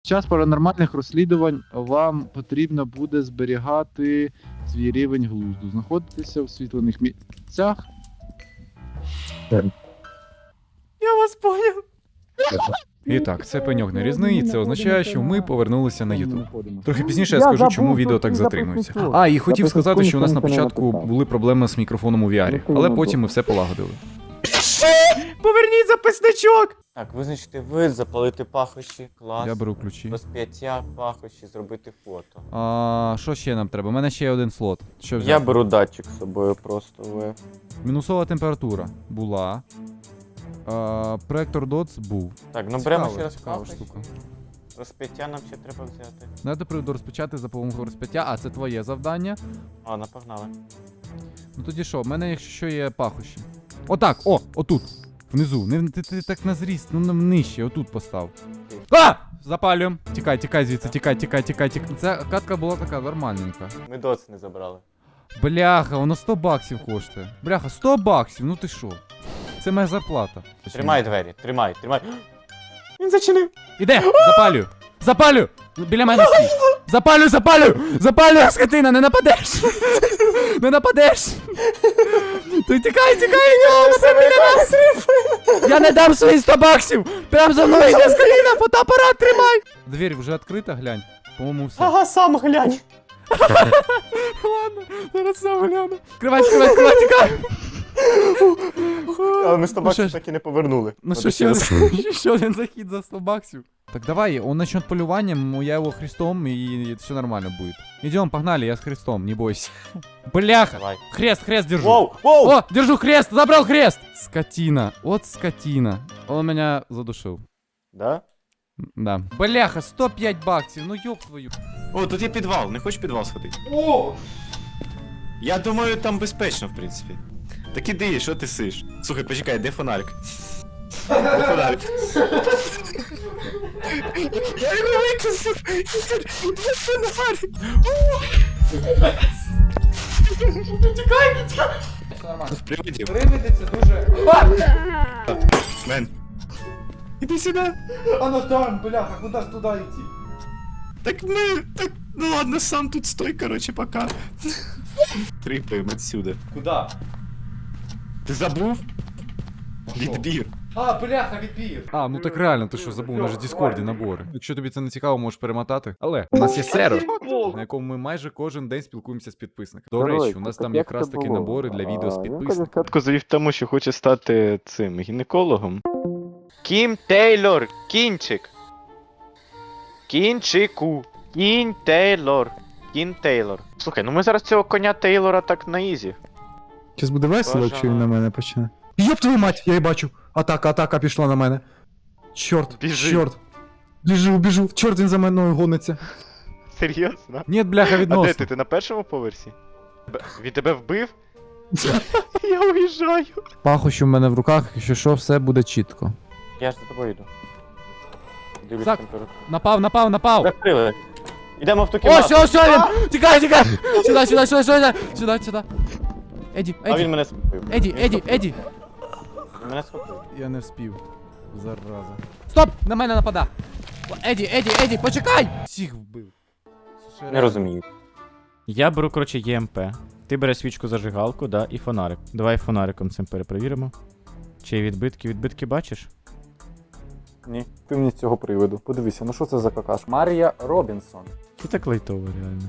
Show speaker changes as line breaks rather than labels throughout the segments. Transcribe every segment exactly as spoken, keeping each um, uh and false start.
Під час паранормальних розслідувань вам потрібно буде зберігати свій рівень глузду, знаходитися в освітлених місцях.
Я вас поняв.
І так, це пеньок нарізний, і це означає, що ми повернулися на YouTube. Трохи пізніше я скажу, чому відео так затримується. А, і хотів сказати, що у нас на початку були проблеми з мікрофоном у ві ар, але потім ми все полагодили.
Поверніть записничок!
Так, визначити вид, запалити пахощі, клас.
Я беру ключі.
Розп'яття, пахощі, зробити фото.
А, що ще нам треба? У мене ще є один слот. Що взяти?
Я беру датчик з собою просто в.
Мінусова температура була. А, проектор дотс був.
Так, ну беремо
Цікава,
ще раз
цікава
пахощі.
штука.
Розп'яття нам ще треба взяти.
Надо приводу розпочати за допомогою розп'яття, а це твоє завдання.
А, напогнали.
Ну тоді що, в мене якщо що є пахощі. Отак, о, отут. Внизу. Не, ти, ти так на зріст, ну на нижче, отут постав. А! Запалюємо. Тікай, тікай звідси, тікай, тікай, тікай, тікай. Ця катка була така нормальненька.
Ми доц не забрали.
Бляха, воно сто баксів коштує. Бляха, сто баксів, ну ти що? Це моя зарплата.
Тримай двері, тримай, тримай. Він зачинив.
Іде, запалюю. Запалю! Біля мене стій. Запалю, запалю! Запалю, скотина, не нападеш! Не нападеш! Ти тікай, тікай, нього, напевно, біля нас! Я не дам свої сто баксів! Прям за мною йде скотина, фотоапарат тримай! Двері вже відкрита, глянь. По-моєму, все.
Ага, сам глянь.
Ладно, зараз сам гляну. Кривай, кривай, кривай, тікай!
Але ми сто
Ну, що
баксів
ж-
так і не повернули.
Ну
Надо
що, ще
раз.
один, ще один захід за сто баксів. Так давай, он начнет полюванием, я его Христом, и все нормально будет. Идем, погнали, я с Христом, не бойся. Бляха!
Давай.
Хрест, хрест держу.
Воу, воу!
О, держу хрест, забрал хрест! Скотина, вот скотина. Он меня задушил.
Да?
Да. Бляха, сто п'ять баксів, ну ёб твою.
О, тут є підвал, не хочеш підвал сходити? О! Я думаю, там безпечно, в принципі. Так іди, що ти сиш? Слухай, почекай, де фонарик? Де фонарик? Я його викинув! Де фонарик?
Тікай, тікай! Все нормально.
Привидів.
Привиди це дуже...
Мен. Іди сюди.
Оно там, бляха, куда ж туда идти?
Так ми... Так, ну ладно, сам тут стой, короче, пока. Трипаємо отсюда.
Куда?
Ти забув? Відбір.
А, бляха, відбір. А, ну так реально, ти що забув, у нас же в Діскорді набори. Якщо тобі це не цікаво, можеш перемотати. Але у нас є сервер, на якому ми майже кожен день спілкуємося з підписниками. До речі, у нас там якраз такі набори для відео з підписниками.
Катко завів тому, що хоче стати цим гінекологом. Кім Тейлор, кінчик. Кінчику. Кінь Тейлор. Кін Тейлор. Слухай, ну ми зараз цього коня Тейлора так на ізі.
Щас буде весело, якщо він на мене почне. Йоп твою мать, я її бачу. Атака, атака пішла на мене. Чорт,
Біжи.
чорт. Біжу, біжу. Чорт, він за мною гониться.
Серйозно?
Ні, бляха,
А де
відносно.
ти? Ти на першому поверсі? Б- Він тебе вбив? Я уїжджаю.
Пахощі в мене в руках, якщо що, все буде чітко.
Я ж за тобою йду. Дивлюсь
Зак-
температуру.
Напав, напав, напав!
Закрили. Ідемо в ту
О,
кімнату.
все, все, він! Тікай, тікай! Сюди, сюди, сюди, сюди, сюди, сюди. Еді,
А він
Еді,
мене схопив.
Еді,
Він
Еді,
схопив.
Еді.
Він мене схопив.
Я не вспів. Зараза. Стоп! На мене напада! О, Еді, Еді, Еді, почекай! Всіх вбив.
Не розумію.
Я беру, коротше, є ем пе. Ти береш свічку зажигалку, да, і фонарик. Давай фонариком цим перепровіримо. Чи є відбитки? Відбитки бачиш?
Ні, ти мені з цього приводу. Подивися, ну що це за какаш? Марія Робінсон.
Це так лайтово, реально.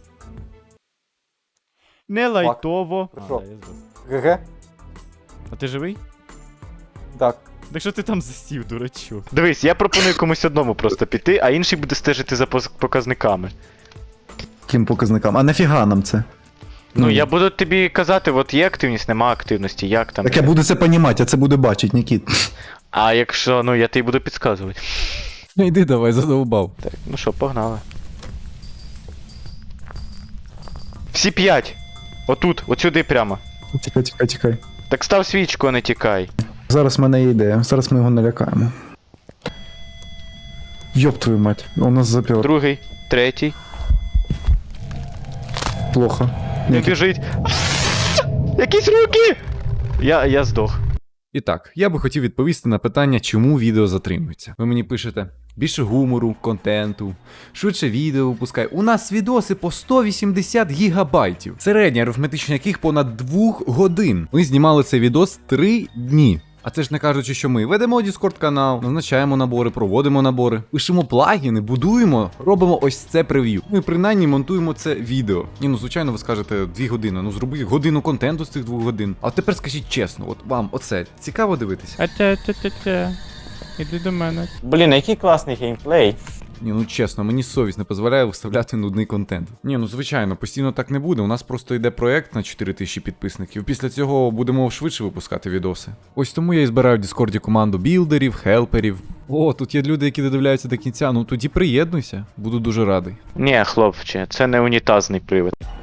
Не лайтово.
Ти
А,
що?
да, я збив.
ГГ?
А ти живий?
Так.
Так що ти там засів, дурачок?
Дивись, я пропоную комусь одному просто піти, а інший буде стежити за поз- показниками.
Яким показникам? А нафіга нам це?
Ну, я буду тобі казати, от є активність, нема активності, як там.
Так я буду це понімати, я це буду бачити, Нікіт.
А якщо, ну я тобі буду підказувати.
Ну йди давай, задовбав.
Так, ну що, погнали. Всі п'ять. Отут, от сюди прямо.
Тікай, тікай, тікай.
Так став свічку, а не тікай.
Зараз в мене є ідея, зараз ми його налякаємо. Йоп твою мать, он нас запер.
Другий, третій.
Плохо.
Він
Нікіт.
біжить. Якісь руки! Я, я здох.
І так, я би хотів відповісти на питання, чому відео затримується. Ви мені пишете, Більше гумору, контенту, швидше відео випускай. У нас відоси по сто вісімдесят гігабайтів, середня арифметична яких понад двох годин. Ми знімали цей відос три дні. А це ж не кажучи, що ми ведемо Discord канал, назначаємо набори, проводимо набори, пишемо плагіни, будуємо, робимо ось це прев'ю. Ми принаймні монтуємо це відео. Ні, ну звичайно, ви скажете дві години, ну зроби годину контенту з цих двох годин. А тепер скажіть чесно, от вам оце цікаво дивитися?
А-тя-тя-тя-тя. Іди до мене.
Блін, який класний геймплей.
Ні, ну чесно, мені совість не дозволяє виставляти нудний контент. Ні, ну звичайно, постійно так не буде. У нас просто йде проект на чотири тисячі підписників. Після цього будемо швидше випускати відоси. Ось тому я і збираю в Діскорді команду білдерів, хелперів. О, тут є люди, які додивляються до кінця. Ну тоді приєднуйся, буду дуже радий.
Ні, хлопче, це не унітазний привид.